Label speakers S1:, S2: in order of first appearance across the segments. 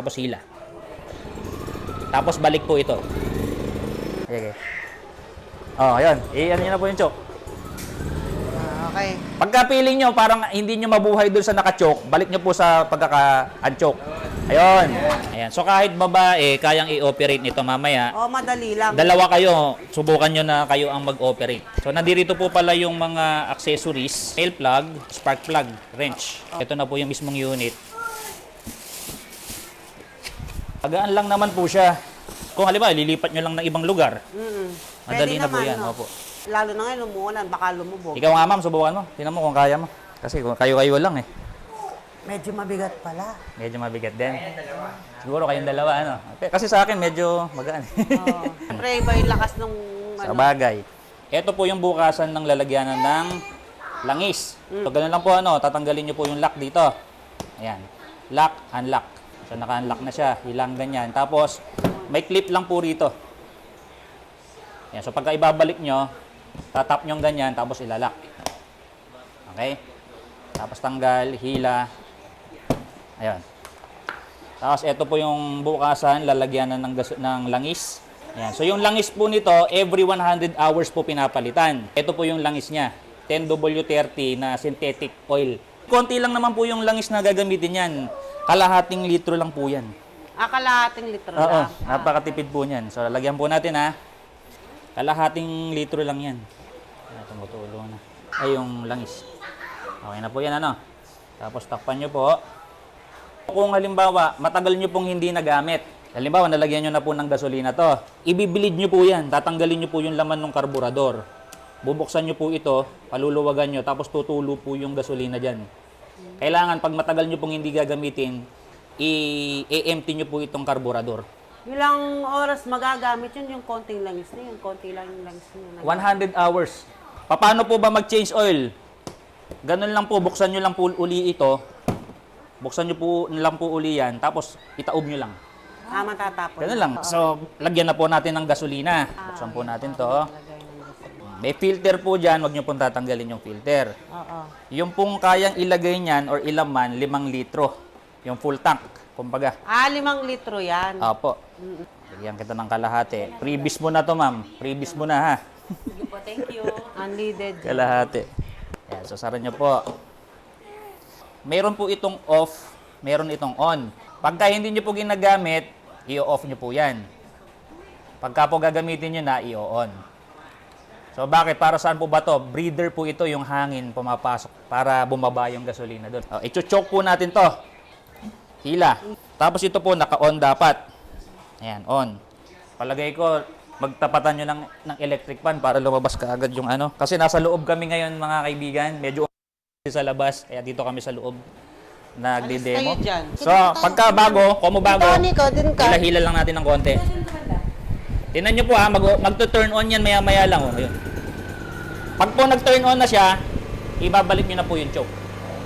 S1: tapos hila. Tapos balik po ito. Okay. Oh, ayun. Ano nyo na po yung choke.
S2: Okay.
S1: Pagka feeling nyo, parang hindi nyo mabuhay dun sa naka-choke, balik nyo po sa pagkaka-unchoke. Ayun. Ayan. So kahit babae, kayang i-operate nito mamaya.
S2: Oh, madali lang.
S1: Dalawa kayo, subukan nyo na kayo ang mag-operate. So nandito po pala yung mga accessories, nail plug, spark plug, wrench. Ito na po yung mismong unit. Agaan lang naman po siya. Kung halimbawa, lilipat nyo lang ng ibang lugar. Madali na po yan.
S2: No?
S1: Opo.
S2: Lalo na ngayon, lumuulan, baka lumubog.
S1: Ikaw nga ma'am, subukan mo. Tingnan mo kung kaya mo. Kasi kung kayo-kayo lang eh.
S2: Medyo mabigat pala.
S1: Medyo mabigat din. Siguro kayong dalawa, ano? Kasi sa akin, medyo magaan.
S2: Oo. Siyempre, iba yung lakas ng
S1: Sa bagay. Ito po yung bukasan ng lalagyanan ng langis. So, ganun lang po, ano, tatanggalin nyo po yung lock dito. Ayan. Lock, unlock. So, naka-unlock na siya. Hilang ganyan. Tapos, may clip lang po rito. Ayan. So, pagka ibabalik nyo, tatap nyo ganyan, tapos ilalak. Okay? Tapos tanggal, hila. Ayan. Tapos ito po yung bukasan, lalagyanan ng langis. Ayan. So yung langis po nito, every 100 hours po pinapalitan. Ito po yung langis niya, 10W30 na synthetic oil. Konti lang naman po yung langis na gagamitin yan. Kalahating litro lang po yan.
S2: Kalahating litro
S1: Oo,
S2: lang.
S1: napakatipid po niyan. So lalagyan po natin ha. Kalahating litro lang yan. Tumutulo na. Ay yung langis. Okay na po yan, ano. Tapos takpan nyo po. Kung halimbawa, matagal nyo pong hindi nagamit. Halimbawa, nalagyan nyo na po ng gasolina to. Ibibilid nyo po yan. Tatanggalin nyo po yung laman ng karburador. Bubuksan nyo po ito, paluluwagan nyo, tapos tutulo po yung gasolina dyan. Kailangan, pag matagal nyo pong hindi gagamitin, i-empty nyo po itong karburador.
S2: Ilang oras magagamit yun, yung konting langis na yun. Konti lang yung langis na yun.
S1: 100 hours. Paano po ba mag-change oil? Ganun lang po, buksan nyo lang po uli ito. Buksan nyo po lang po uli yan, tapos itaob nyo lang.
S2: Matatapon.
S1: Ganun lang. So, lagyan na po natin ng gasolina. Buksan po natin to. May filter po dyan, huwag nyo pong tatanggalin yung filter.
S2: Oo.
S1: Yung pong kayang ilagay nyan or ilaman, 5 litro. Yung full tank, kumbaga.
S2: 5 litro yan.
S1: Opo. Lagyan kita ng kalahati. Freebies mo na to, ma'am. Freebies mo na, ha?
S2: Sige po, thank you. Unleaded.
S1: Kalahati. Yan, so saran nyo po. Meron po itong off, meron itong on. Pagka hindi nyo po ginagamit, i-off nyo po yan. Pagka po gagamitin nyo na, i-on. So bakit? Para saan po ba to? Breather po ito, yung hangin pumapasok para bumaba yung gasolina doon. I-choke po natin to. Hila. Tapos ito po, naka-on dapat. Ayan, on. Palagay ko, magtapatan nyo ng electric fan para lumabas ka agad yung ano. Kasi nasa loob kami ngayon, mga kaibigan. Medyo sa labas, kaya dito kami sa loob nagdi-demo.
S2: Alis kayo dyan.
S1: So, pagka bago, kung mo bago, hila-hila lang natin ng konti. Tingnan nyo po ha, magto-turn on yan maya-maya lang. Oh. Ayun. Pag po nag-turn on na siya, ibabalik nyo na po yung choke.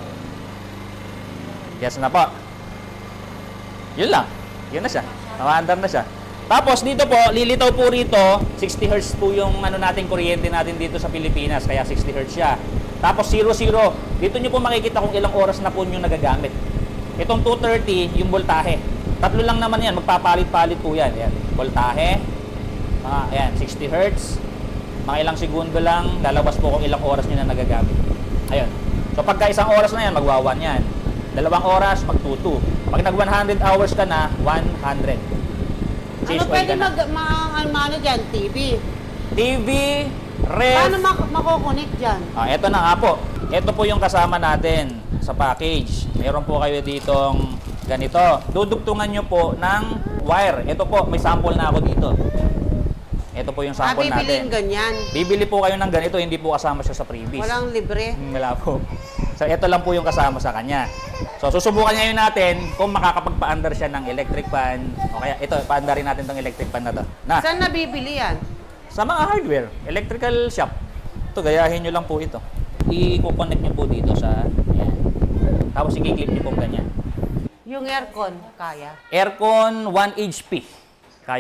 S1: Yes na po. Yun lang. Yun na siya. Namaandar na siya. Tapos dito po, lilitaw po rito, 60 Hz po yung ano natin, kuryente natin dito sa Pilipinas, kaya 60 Hz siya. Tapos 00, dito nyo po makikita kung ilang oras na po nyo nagagamit. Itong 230, yung voltahe. Tatlo lang naman yan, magpapalit-palit po yan. Ayan, voltahe, ayan, 60 Hz, mga ilang segundo lang, lalabas po kung ilang oras nyo na nagagamit. Ayun. So pagka isang oras na yan, magwa 1 yan. 2 oras, mag-2-2. Pag nag 100 hours ka na, 100.
S2: Ano pwede ano dyan? TV?
S1: TV, ref.
S2: Paano makokonek dyan?
S1: Ito na nga po. Ito po yung kasama natin sa package. Meron po kayo ditong ganito. Dudugtungan nyo po ng wire. Ito po, may sample na ako dito. Ito po yung sample natin.
S2: Bibiliin ganyan?
S1: Bibili po kayo ng ganito, hindi po kasama siya sa freebies.
S2: Walang libre?
S1: Wala po. So, ito lang po yung kasama sa kanya. So, susubukan ngayon natin kung makakapagpa-under siya ng electric fan. O kaya, ito, pa-underin natin tong electric fan na to. Na,
S2: Saan nabibili yan?
S1: sa mga hardware, electrical shop. Ito, gayahin nyo lang po ito. I-connect nyo po dito sa, ayan. Tapos, i-clip nyo po ganyan.
S2: Yung aircon, kaya?
S1: Aircon 1 HP. Kaya po.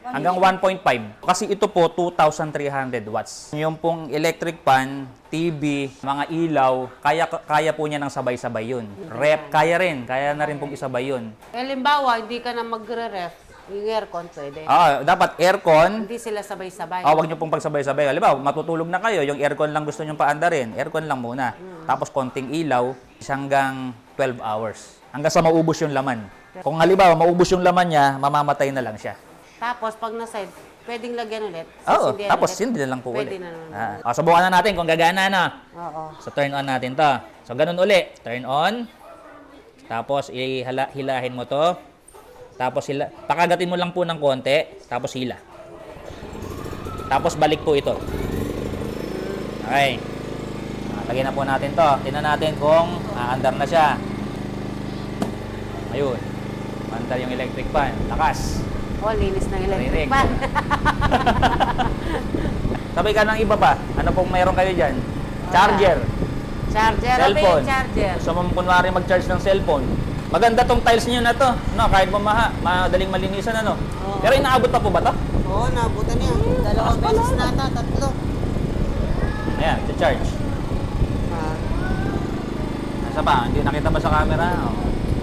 S1: hanggang 1.5. Kasi ito po, 2,300 watts. Yung pong electric fan, TV, mga ilaw, kaya po niya ng sabay-sabay yun. Rep, kaya rin. Kaya na rin pong isabay yun.
S2: Halimbawa, hindi ka na magre-ref. Yung aircon pwede.
S1: Dapat aircon.
S2: Hindi sila sabay-sabay.
S1: Huwag niyo pong pagsabay-sabay. Halimbawa, matutulog na kayo, yung aircon lang gusto niyo paandarin. Aircon lang muna. Tapos konting ilaw, hanggang 12 hours. Hanggang sa maubos yung laman. Kung halimbawa, maubos yung laman niya, mamamatay na lang siya.
S2: Tapos, pag nasa pwedeng lagyan ulit.
S1: Oo,
S2: Sisindihan
S1: tapos
S2: ulit.
S1: hindi na lang po
S2: Pwede
S1: ulit.
S2: na naman.
S1: Subukan na natin kung gagana na.
S2: Oo.
S1: So, turn on natin to. So, ganun uli. Turn on. Tapos, hilahin mo to. Tapos, pakagatin mo lang po ng konti. Tapos, hila. Tapos, balik po ito. Okay. Lagyan na po natin to. Tingnan natin kung aandar na siya. Ayun. Mandar yung electric fan. Lakas.
S2: Oh, linis ng electric
S1: Rinig.
S2: fan.
S1: Sabay ka ng iba pa. Ano pong mayroon kayo dyan? Charger.
S2: Charger. Ano ba
S1: Cellphone.
S2: yung charger?
S1: Gusto mo kunwari mag-charge ng cellphone. Maganda tong tiles niyo na to. No, kahit bumaha, madaling malinisan ano.
S2: Oo.
S1: Pero inaabot pa po ba to?
S2: Oo, nabutan niya. Dalawang beses na ata, tatlo.
S1: Ayan, charge. Nasa pa? Hindi nakita ba sa camera? Oh.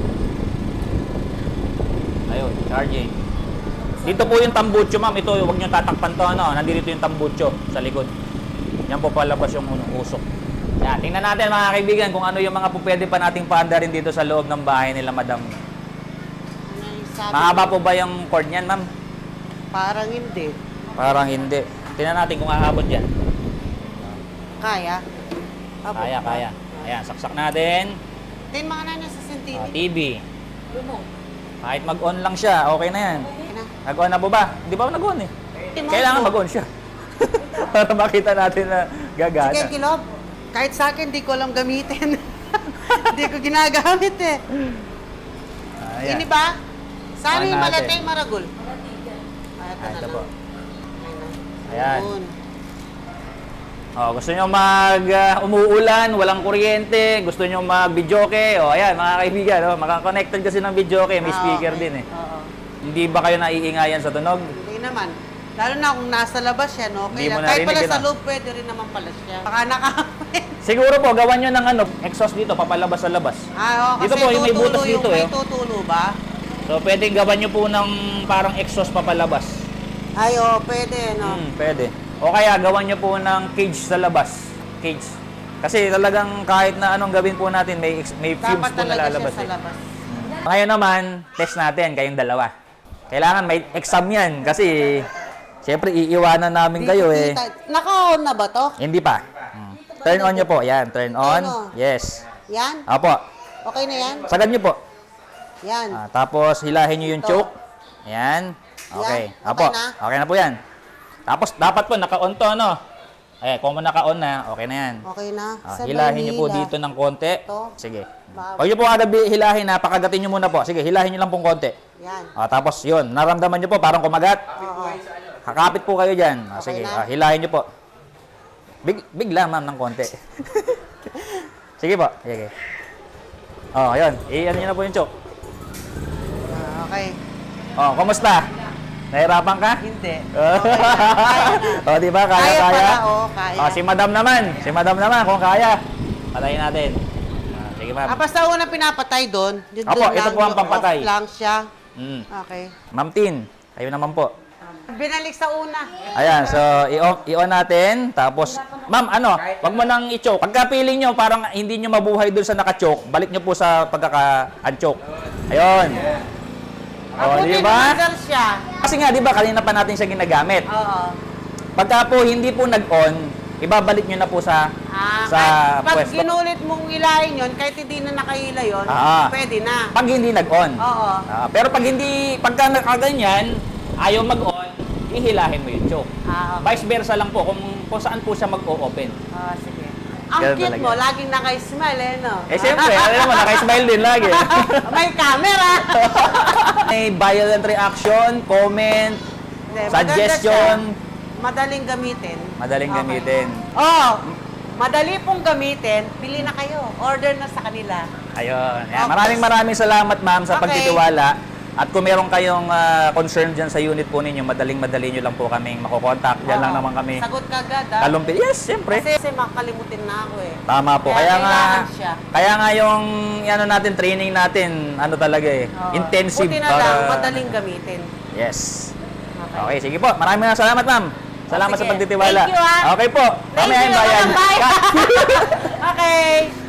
S1: Ayun, charging. Dito po yung tambucho, ma'am. Ito, huwag niyo tatakpan to, ano. Nandito yung tambucho sa likod. Yan po palabas yung usok. Yan, tingnan natin mga kaibigan kung ano yung mga po pwede pa nating paandarin dito sa loob ng bahay nila, madam.
S2: Ano yung sabi?
S1: Mahaba po ba yung cord niyan, ma'am?
S2: Parang hindi.
S1: Parang hindi. Tingnan natin kung aabot yan.
S2: Kaya? Abot
S1: Kaya,
S2: ba?
S1: kaya. Ayan, saksak natin.
S2: Tingnan mga nana sa sentini.
S1: TV. Kahit mag-on lang siya, okay na yan.
S2: Okay na.
S1: Nag-on na po ba? Hindi pa ako nag-on eh. Kailangan mag-on siya. Para makita natin na gagana.
S2: Sige, Kilob. Kahit sa akin, di ko alam gamitin. Di ko ginagamit eh.
S1: Ayan.
S2: Ini ba? Saan
S1: On
S2: yung
S1: natin.
S2: malatay maragul? Ito
S1: Ah,
S2: na
S1: ito
S2: lang.
S1: po.
S2: Ayan.
S1: Ayan. Gusto nyo umuulan, walang kuryente, gusto nyo mag-videoke, ayan mga kaibigan, maka-connected kasi ng videoke, may speaker
S2: okay.
S1: din eh.
S2: Oo.
S1: Hindi ba kayo naiingayan sa tunog?
S2: Hindi naman. Lalo na kung nasa labas yan, okay
S1: Hindi mo
S2: lang. Kahit pala
S1: narinig,
S2: sa
S1: ano?
S2: loob, pwede rin naman pala siya. Baka nakamit.
S1: Siguro po, gawan nyo ng exhaust dito, papalabas sa labas.
S2: Oo,
S1: Dito
S2: kasi
S1: po, yung may butas
S2: tutulo
S1: dito
S2: may
S1: eh.
S2: tutulo ba?
S1: So, pwede gawan nyo po ng parang exhaust papalabas.
S2: Ay, pwede, no?
S1: Pwede. O kaya, gawan nyo po ng cage sa labas. Cage. Kasi talagang kahit na anong gawin po natin, may fumes
S2: Dapat
S1: po na
S2: talaga
S1: lalabas.
S2: siya sa labas.
S1: Ngayon naman, test natin kayong dalawa. Kailangan may exam yan kasi siyempre iiwanan namin kayo eh.
S2: Naka-on na ba to?
S1: Hindi pa. Turn on nyo po. Yan, turn on.
S2: Turn on.
S1: Yes.
S2: Yan?
S1: Apo.
S2: Okay na yan?
S1: Sagad nyo po.
S2: Yan.
S1: Tapos hilahin nyo yung
S2: Ito.
S1: choke. Yan. Okay.
S2: Yan.
S1: Apo.
S2: Okay na?
S1: Okay na po yan. Tapos dapat po naka-on to, ano? Kung naka-on na, okay na yan.
S2: Okay na.
S1: Hilahin nyo po dito ng konti.
S2: Ito.
S1: Sige.
S2: Ba-
S1: Huwag nyo po agad hilahin na, pakagatin nyo muna po. Sige, hilahin nyo lang pong konti.
S2: Yan.
S1: Tapos yun, naramdaman nyo po parang kumagat.
S2: Oo.
S1: Kakapit po kayo dyan.
S2: Okay
S1: Sige,
S2: na?
S1: hilahin nyo po. Bigla ma'am ng konti. Sige po. Sige. Yun. I-ano nyo na po yung choke.
S2: Okay.
S1: Kumusta? Nahirapan ka?
S2: Hindi. Okay na. Kaya na.
S1: Di ba? Kaya.
S2: pala, kaya.
S1: Si madam naman. Si madam naman, kung kaya. Patayin natin. Sige ma'am.
S2: Basta una pinapatay doon. Yun
S1: Opo,
S2: doon
S1: ito
S2: lang,
S1: po ang
S2: yung
S1: pampatay.
S2: off lang siya. Okay.
S1: Ma'am Tin, kayo naman po.
S2: Binalik sa una.
S1: Ayan, so i-on natin. Tapos, ma'am, wag mo nang i-choke. Pagka feeling nyo, parang hindi nyo mabuhay doon sa naka-choke, balik nyo po sa pagkaka-unchoke. Ayun. Di ba?
S2: Pinamagal siya.
S1: Kasi nga, di ba, kanina pa natin siya ginagamit.
S2: Oo.
S1: Pagka po hindi po nag-on, ibabalik nyo na po sa
S2: Kahit pag
S1: pwesto.
S2: ginulit mong ilahin yun, kahit hindi na nakahila yun, pwede na.
S1: Pag hindi nag-on.
S2: Oo.
S1: Pero pagka nakaganyan, ayaw mag-on, ihilahin mo yung choke.
S2: Okay.
S1: Vice versa lang po, kung saan po siya mag-o-open.
S2: Sige. Ang
S1: Ganun
S2: cute
S1: talaga.
S2: mo, laging naka-smile no?
S1: Siyempre, alam mo, naka-smile din lagi.
S2: May camera!
S1: May violent reaction, comment,
S2: Hindi,
S1: suggestion.
S2: maganda siya. Madaling gamitin.
S1: Madaling
S2: Okay.
S1: gamitin.
S2: Madali pong gamitin, bili na kayo. Order na sa kanila.
S1: Ayun. Yan.
S2: Okay.
S1: Maraming salamat, ma'am, sa
S2: Okay.
S1: pagtitiwala. At kung meron kayong concern dyan sa unit po ninyo, madaling-madali nyo lang po kaming makokontak. Diyan lang naman kami.
S2: Sagot ka agad, ha?
S1: Kalumpit. Yes, siyempre.
S2: Kasi makakalimutin na ako eh.
S1: Tama po.
S2: Kaya
S1: Kaya nga,
S2: kailangan siya.
S1: kaya nga yung ano natin, training natin, ano talaga eh,
S2: Oo.
S1: intensive.
S2: Buti na lang, madaling gamitin.
S1: Yes.
S2: Okay.
S1: Okay, sige po. Maraming salamat, ma'am. Salamat
S2: Sige.
S1: sa pagtitiwala.
S2: Thank you, ha?
S1: Okay po.
S2: Thank
S1: Mamaya
S2: you,
S1: yung bayan.
S2: walang bayan. Okay.